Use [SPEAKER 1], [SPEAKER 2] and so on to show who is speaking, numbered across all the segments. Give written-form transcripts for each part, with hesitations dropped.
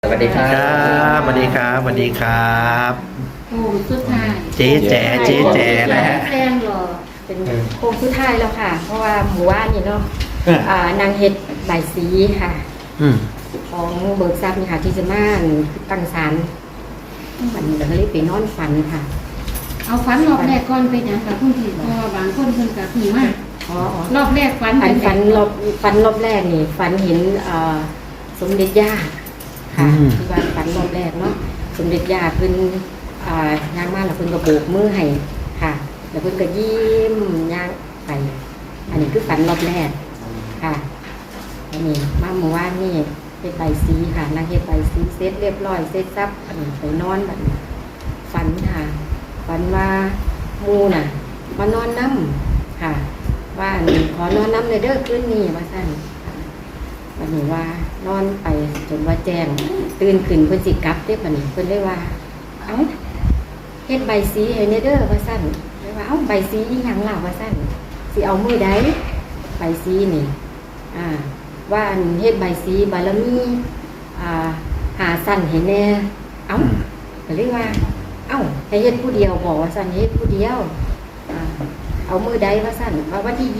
[SPEAKER 1] สวัสดีครั
[SPEAKER 2] ครับสวัสดีครับสวัสดีครับ
[SPEAKER 3] โค้งสุดท้าย
[SPEAKER 2] เจ๊แจ๋เจ๊แจ๋นะฮะ
[SPEAKER 3] แซงหรอเป็นโค้งสุดท้ายแล้วค่ะ เพราะว่าหมู่บ้านนี่เนาะนางเฮ็ดใบายสีค่ะ
[SPEAKER 2] อืม
[SPEAKER 3] ของเบิกทรัพย์นี่ค่ะที่จะมาตั้งศาลวันนี้เราก็เลยไปนอนฝันค่ะ
[SPEAKER 4] เอาฝันรอบแรกก่อนไปหยังกับคุณพี่เพราะว่าบางคนเพิ่นก็ผีมาก
[SPEAKER 3] อ๋อ
[SPEAKER 4] รอบแรกฝัน
[SPEAKER 3] ฝัน
[SPEAKER 4] เป็น
[SPEAKER 3] ฝันรอบแรกนี่ฝันเห็นสมเด็จย่าค่ะที่ว่าฝันรอบแรกเนาะสมเด็จย่าเพิ่นย่างมาแล้วเพิ่นก็โบกมือให้ค่ะ แล้วเพิ่นก็ยิ้มย่างไป อันนี้คือฝันรอบแรกค่ะอันนี้มาเมื่อวานนี่เฮ็ดใบสีค่ะนางเฮ็ดใบสีเสร็จเรียบร้อยเสร็จซับอันนี้ไปนอนแบบนี้ฝันค่ะฝันว่าหมูน่ะมานอนน้ำค่ะว่าอันนี้ขอนอนน้ำเลยเด้อคืนนี้ว่าซั่นวันนี้ว่านอนไปจนว่าแจ้งตื่นขึ้นเพิ่นสิกลับเด้อบัดนี้เพิ่นเลยว่าเอ้าเฮ็ดใบสีให้เด้อว่าซั่นเลยว่าเอ้าใบสีอีหยังล่ะว่าซั่นสิเอามือใดใบสีนี่ว่าอันเฮ็ดใบสีบารมีหาสั้นให้แน่เอ้าก็เลยว่าเอ้าให้เฮ็ดผู้เดียวบอกว่าสั้นเฮ็ดผู้เดียวเอามือใดว่าสั้นว่าวันที่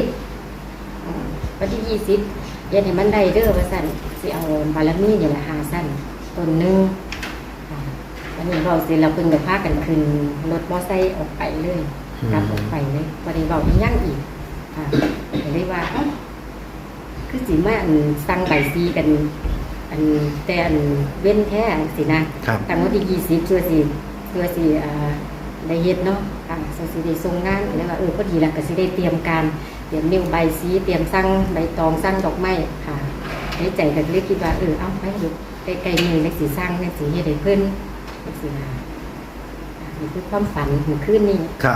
[SPEAKER 3] 20วันที่20เฮ็ดให้มันได้เด้อว่าสั้นสิเอาบารมีนี่แหละหาสั้นต้นนึงวันนี้เราสิเราเพิ่งได้พากันขึ้นรถมอไซค์ออกไปเลยกลับออกไปเลยบ่ได้เว้าอีหยังอีกก็เลยว่าเอ้าคือสิมาสั่งใบซีกันแต่เว้นแท้สินะตั้งวันที่20เพื่อสิได้เฮ็ดเนาะสิได้ส่งงานแล้วว่าพอดีแล้วก็สิได้เตรียมการเตรียมนิ้วใบซีเตรียมสั่งใบตองสั่งดอกไม้ค่ะในใจก็เลยคิดว่าเอาไปอยู่ใกล้ๆนี่ได้สิสั่งได้สิเฮ็ดให้เพิ่นจังซี่นะนี่คือความฝันของคืนนี้
[SPEAKER 2] ครับ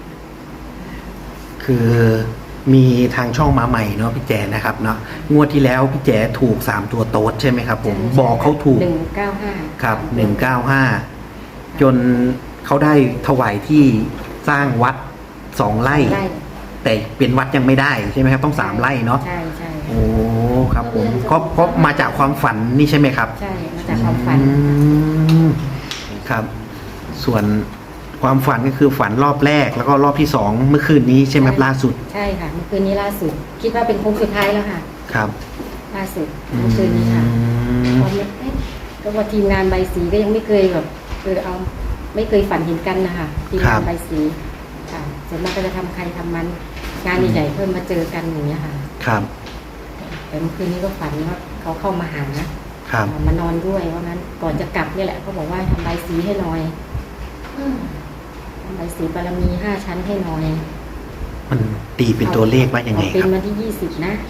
[SPEAKER 2] คือมีทางช่องมาใหม่เนาะพี่แจนะครับเนาะงวดที่แล้วพี่แจถูก3ตัวโต๊ดใช่ไหมครับผมบอกเขาถูก
[SPEAKER 3] 195
[SPEAKER 2] ครับ195จนเขาได้ถวายที่สร้างวัด2 ไร่แต่เป็นวัดยังไม่ได้ใช่ไหมครับต้อง3 ไร่เนาะ
[SPEAKER 3] ใช่ใช่
[SPEAKER 2] โอ้ครับผมก็มาจากความฝันนี่ใช่ไหมครับ
[SPEAKER 3] ใช่มาจากความฝัน
[SPEAKER 2] ครับส่วนความฝันก็คือฝันรอบแรกแล้วก็รอบที่2เมื่อคืนนี้ใช่ไหมล่าสุด
[SPEAKER 3] ใช่ค่ะเมื่อคืนนี้ล่าสุดคิดว่าเป็นโค้งสุดท้ายแล้วค่ะ
[SPEAKER 2] ครับ
[SPEAKER 3] ล่าสุดเมื่อคืนนี้ค่ะตอนนี้ก็ว่าทีมงานใบสีก็ยังไม่เคยแบบไม่เคยฝันเห็นกันนะคะทีมงานใบสีค่ะส่วนมากก็จะทำใครทำมันงานใหญ่ๆเพิ่มมาเจอกันอย่างเงี้ยค่ะ
[SPEAKER 2] ครับ
[SPEAKER 3] แต่เมื่อคืนนี้ก็ฝันว่าเขาเข้ามาหามานอนด้วยว่างั้นก่อนจะกลับนี่แหละเขาบอกว่าทำใบสีให้หน่อยทำใบสีบารมี5 ชั้นให้หน่อย
[SPEAKER 2] มันตีเป็นตัวเลขว่ายังไงครับ
[SPEAKER 3] เป็นวันที่20นะ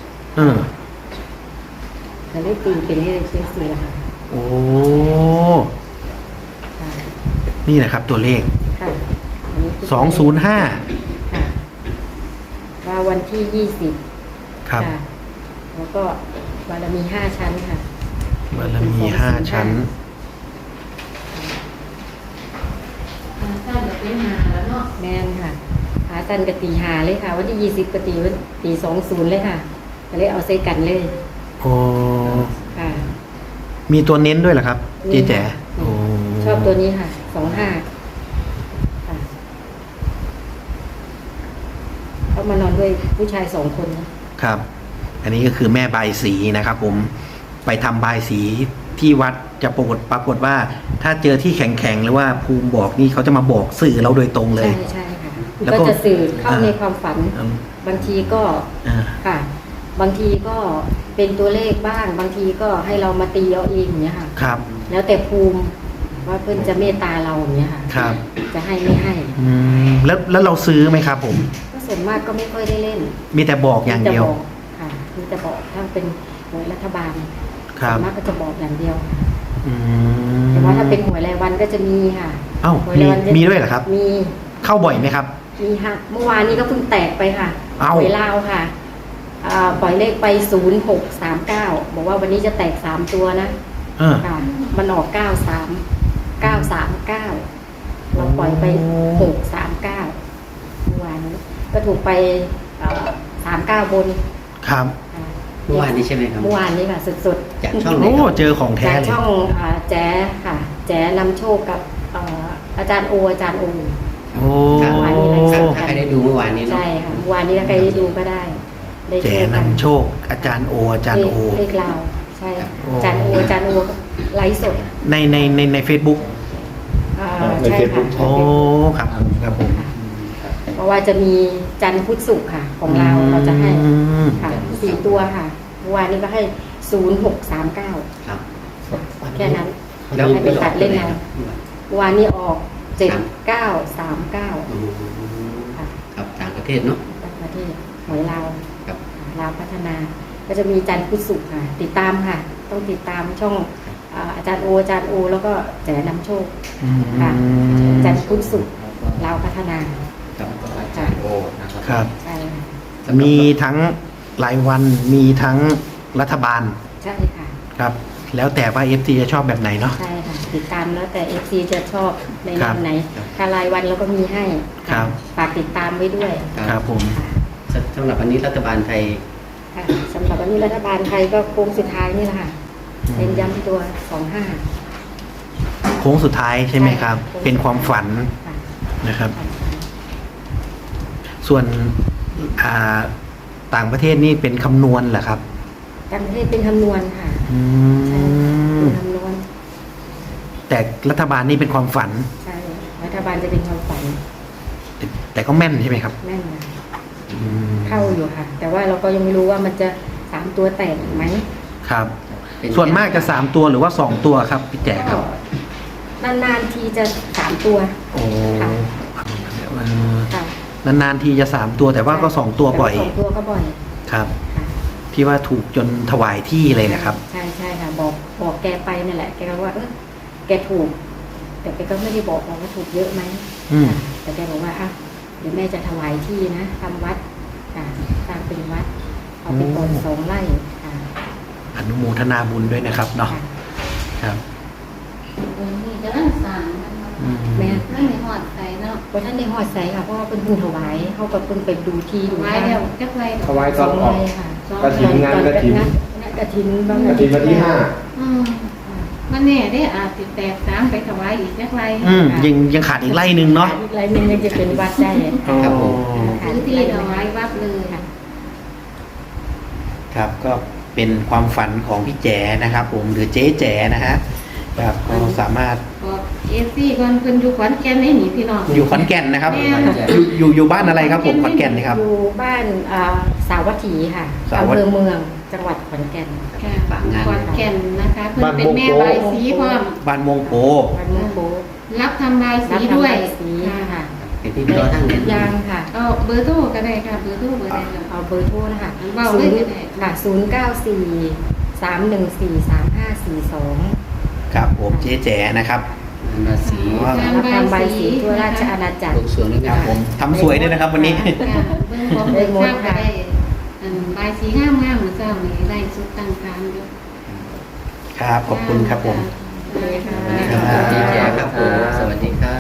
[SPEAKER 3] จะได้ตีเป็นเลขเป็น4ค่ะ
[SPEAKER 2] โอ้นี่แหละครับตัวเลข205
[SPEAKER 3] ค่ะว่าวันที่20
[SPEAKER 2] ครับ
[SPEAKER 3] แล้วก็บารมี5 ชั้นค่ะ
[SPEAKER 2] บารมี5 ชั้น
[SPEAKER 4] ถ้าจะเป็นหาแล้วเนาะ
[SPEAKER 3] แม่นค่ะหาสั้นกตีหาเลยค่ะวันที่20กตี20เลยค่ะก็เลยเอาใส่กันเลย
[SPEAKER 2] โอ้
[SPEAKER 3] ค่ะ
[SPEAKER 2] มีตัวเน้นด้วยเหรอครับเจ๊แจ๋
[SPEAKER 3] ชอบตัวนี้ค่ะ25ค่ะเขามานอนด้วยผู้ชาย2 คน
[SPEAKER 2] นะครับอันนี้ก็คือแม่บายสีนะครับผมไปทำบายสีที่วัดจะปรากฏว่าถ้าเจอที่แข็งๆหรือว่าภูมิบอกนี่เขาจะมาบอกสื่อเราโดยตรงเลย
[SPEAKER 3] ใช่ค่ะแล้วก็จะสื่อเข้าในความฝันบางทีก็ค่ะบางทีก็เป็นตัวเลขบ้างบางทีก็ให้เรามาตีเอาเองอย่างเงี้ยค่ะ
[SPEAKER 2] ครับ
[SPEAKER 3] แล้วแต่ภูมิว่าเพื่อนจะเมตตาเราอย่างเงี้ยค่ะ
[SPEAKER 2] ครับ
[SPEAKER 3] จะให้ไม่ให้
[SPEAKER 2] แล้วเราซื้อไหมครับผม
[SPEAKER 3] ก็ส่วนมากก็ไม่ค่อยได้เล่น
[SPEAKER 2] มีแต่บอกอย่างเดียว
[SPEAKER 3] ค่ะมีแต่บอกถ้าเป็นหวยรัฐบาล
[SPEAKER 2] ส่
[SPEAKER 3] วนมากก็จะบอกอย่างเดียวแต่ว่าถ้าเป็นหวยรายวันก็จะมีค่ะ
[SPEAKER 2] มีด้วยเหรอครับ
[SPEAKER 3] มี
[SPEAKER 2] เข้าบ่อยไหมครับ
[SPEAKER 3] มีค่ะเมื่อวานนี้ก็เพิ่งแตกไปค่ะหวยลาวค่ะปล่อยเลขไป0639บอกว่าวันนี้จะแตก3 ตัวนะค่ะมันออก939เราปล่อยไป639เมื่อวานนี้ก็ถูกไป39บน
[SPEAKER 2] ครับ
[SPEAKER 1] เมื่อวานนี้ใช่ไหมครับ
[SPEAKER 3] เมื่อวานนี้ค่ะสด
[SPEAKER 1] จากช่องไหน
[SPEAKER 2] โอ้
[SPEAKER 1] ครับ
[SPEAKER 2] เจอของ
[SPEAKER 3] ๆ
[SPEAKER 2] แท้
[SPEAKER 3] จาก
[SPEAKER 2] เลย
[SPEAKER 3] ช่องแจ๊ค่ะ แจ๊นำโชคกับอาจารย์โอ
[SPEAKER 2] โอ้
[SPEAKER 3] ครับ
[SPEAKER 1] ถ้าใครได้ดูเมื่อวานนี้เนาะ
[SPEAKER 3] ใช่ค่ะเมื่อวานนี้ถ้าใครได้ดูก็ได้ได้
[SPEAKER 2] แจ
[SPEAKER 3] ดูกัน
[SPEAKER 2] นำโชคอาจารย์โออาจารย์โอ
[SPEAKER 3] เลขเราใช่
[SPEAKER 2] โอ้
[SPEAKER 3] อาจารย์โอก็ไลฟ์สด
[SPEAKER 2] ใน Facebook
[SPEAKER 3] ใช่ค่ะ
[SPEAKER 2] โอ้ครับผมครับผม
[SPEAKER 3] เพราะว่าจะมีจันทร์พุธศุกร์ค่ะ ของเราเราจะให้
[SPEAKER 2] อืม
[SPEAKER 3] ค่ะ4 ตัวค่ะเมื่อวานนี้ก็ให้0639
[SPEAKER 1] ครับ
[SPEAKER 3] แค่นั้น
[SPEAKER 1] แล้ว
[SPEAKER 3] ให้ไปตัดเล่นเอา
[SPEAKER 1] ครับ
[SPEAKER 3] เมื่อวานนี้ออก7939
[SPEAKER 1] อืม
[SPEAKER 3] ค่ะ
[SPEAKER 1] ครับต่างประเทศเนาะ
[SPEAKER 3] ต่างประเทศหวยลาว
[SPEAKER 1] ครับ
[SPEAKER 3] ลาวพัฒนา ก็จะมีจันทร์พุธศุกร์ค่ะ ติดตามค่ะ ต้องติดตามช่องอาจารย์โอ แล้วก็แจนำโชค ค่ะ จันทร์พุธศุกร์ลาวพัฒนา
[SPEAKER 1] ครับ
[SPEAKER 3] ค่ะ
[SPEAKER 2] ครับ
[SPEAKER 3] ใช่ค่ะ
[SPEAKER 2] มีทั้งรายวันมีทั้งรัฐบาล
[SPEAKER 3] ใช่ค่ะ
[SPEAKER 2] ครับ แล้วแต่ว่า FC จะชอบแบบไหนเนาะ
[SPEAKER 3] ใช่ค่ะ ติดตามแล้วแต่ FC จะชอบใน
[SPEAKER 2] ครั
[SPEAKER 3] แน
[SPEAKER 2] บ
[SPEAKER 3] วไหนถ้ารายวันเราก็มีให้
[SPEAKER 2] ครับ
[SPEAKER 3] ฝากติดตามไว้ด้วย
[SPEAKER 2] ครับผม
[SPEAKER 1] สำหรับวันนี้รัฐบาลไทย
[SPEAKER 3] ค่ะสำหรับวันนี้รัฐบาลไทยก็โค้งสุดท้ายนี่แหละค่ะเน้นย้ำที่ตัว 25
[SPEAKER 2] โค้งสุดท้ายใช่ไหมครับ เป็นความฝัน
[SPEAKER 3] ค่ะ
[SPEAKER 2] นะครับ ส่วนอ่าต่างประเทศนี่เป็นคำนวณเหรอครับ
[SPEAKER 3] ต่างประเทศเป็นคำนวณค่ะ
[SPEAKER 2] อื
[SPEAKER 3] ใช่
[SPEAKER 2] ม
[SPEAKER 3] เป็นคำนวณ
[SPEAKER 2] แต่รัฐบาลนี่เป็นความฝัน
[SPEAKER 3] ใช่รัฐบาลจะเป็นความฝัน
[SPEAKER 2] แต่ก็แม่นใช่ไหมครับ
[SPEAKER 3] แม่นนะ
[SPEAKER 2] อืม
[SPEAKER 3] เข้าอยู่ค่ะ แต่ว่าเราก็ยังไม่รู้ว่ามันจะ3 ตัวแตกไหม
[SPEAKER 2] ครับ
[SPEAKER 1] เป็น
[SPEAKER 2] ส่วนมากจะ3 ตัวหรือว่า2 ตัวครับพี่แจ๋ครับ
[SPEAKER 3] นานๆทีจะ3 ตัว
[SPEAKER 2] โอ้
[SPEAKER 3] ค่ะ ค่ะ
[SPEAKER 2] นานๆทีจะ3 ตัวแต่ว่าก็2 ตัวบ่อย
[SPEAKER 3] แต่ว่า2 ตัวก็บ่อย
[SPEAKER 2] ครับ
[SPEAKER 3] ค่ะ
[SPEAKER 2] ที่ว่าถูกจนถวายที่เลยนะครับ
[SPEAKER 3] ใช่ใช่ค่ะ บอกแกไปนั่นแหละ แกก็ว่าแกถูก แต่แกก็ไม่ได้บอกว่าถูกเยอะไหม
[SPEAKER 2] อืม
[SPEAKER 3] ค่ะแต่แกบอกว่าเดี๋ยวแม่จะถวายที่นะทำวัดค่ะสร้างเป็นวัดเอาไปก่อน2 ไร่ค่ะ
[SPEAKER 2] อนุโมทนาบุญด้วยนะครับเนาะ
[SPEAKER 3] ค่ะ
[SPEAKER 2] ครับ
[SPEAKER 4] นี่จะนั่งสั่งมันมา
[SPEAKER 2] อืม
[SPEAKER 3] แม่
[SPEAKER 4] นั่งในหอดใส่เนาะ
[SPEAKER 3] ว่าท่านได้หอดใส่ค่ะเพราะว่าเป็นเพิ่งถวายเขาก็เพิ่งไปดูที่ดู
[SPEAKER 4] ไว้แล้วจักไรดอก
[SPEAKER 5] ถวาย
[SPEAKER 3] สองไร่ค่ะ
[SPEAKER 5] กฐินงานกฐิน
[SPEAKER 3] กระถินบ้าง
[SPEAKER 5] กฐินวันที่
[SPEAKER 4] อืมมันแน่ได้อาจติดแตกตามไปถวายอีกจักไร
[SPEAKER 2] อืมยังขาดอีกไร่หนึ่งเนาะ
[SPEAKER 3] อีกไรหนึงยังจะเป็นวัดได้
[SPEAKER 1] ครับผม
[SPEAKER 4] พื้นที่ถวายวัดเลย
[SPEAKER 3] ค่ะ
[SPEAKER 2] ครับก็เป็นความฝันของพี่แจ๋นะครับ ผมหรือเจ๊แจ๋นะฮะครับก็สามารถ
[SPEAKER 4] บอกเอซี่ก่อนเพิ่นอยู่ขอนแก่นให้หนีพี่น้อง
[SPEAKER 2] อยู่ขอนแก่นนะครับ
[SPEAKER 4] แม่
[SPEAKER 2] อยู่บ้านอะไรครับผมขอนแก่นนี่ครับ
[SPEAKER 3] อยู่บ้านสาวัตถีค่ะ
[SPEAKER 2] สาวัตถี
[SPEAKER 3] อำเภอเมืองจังหวัดขอนแก่น
[SPEAKER 4] ค่ะขอนแก่นนะคะเพิ่นเป็นแม่ใบายสีพร้อม
[SPEAKER 2] บ้านมงโป
[SPEAKER 3] วันเมืองโป๊
[SPEAKER 4] รับทำใบายสี
[SPEAKER 3] รับทำ
[SPEAKER 4] ด้วย
[SPEAKER 3] ใบสีค่ะ
[SPEAKER 1] เป็นที่รอทั้งเดือน
[SPEAKER 3] ยางค่ะ
[SPEAKER 4] เอาเบอร์โทรก็ได้ค่ะเบอร์โทรเบอร์ใดค่ะ
[SPEAKER 3] เอาเบอร์โทรนะคะ
[SPEAKER 4] เบาเลยก็ได้
[SPEAKER 3] ค่ะ094-314-3542
[SPEAKER 2] ครับผมเจ๊แจ๋นะครับ
[SPEAKER 1] ราศี
[SPEAKER 2] ว่า
[SPEAKER 3] รับทำใบสีทั่วราชอาณาจักร
[SPEAKER 1] ลูกสวงด้วย
[SPEAKER 2] ค
[SPEAKER 1] กั
[SPEAKER 2] รั
[SPEAKER 1] น
[SPEAKER 2] บผมทำสวยด้วยนะครับวันนี้
[SPEAKER 4] ค่ะเบิ่งของเบิ่งข้าวก็ได้ใบายสีงามๆเหมือนเจ้านี่ได้สุดตั้งการอยู่
[SPEAKER 2] ครับขอบคุณครับผม
[SPEAKER 4] ค่ะ
[SPEAKER 3] เลยค่ะ
[SPEAKER 1] สวัสดีครับผมสวัสดีครับ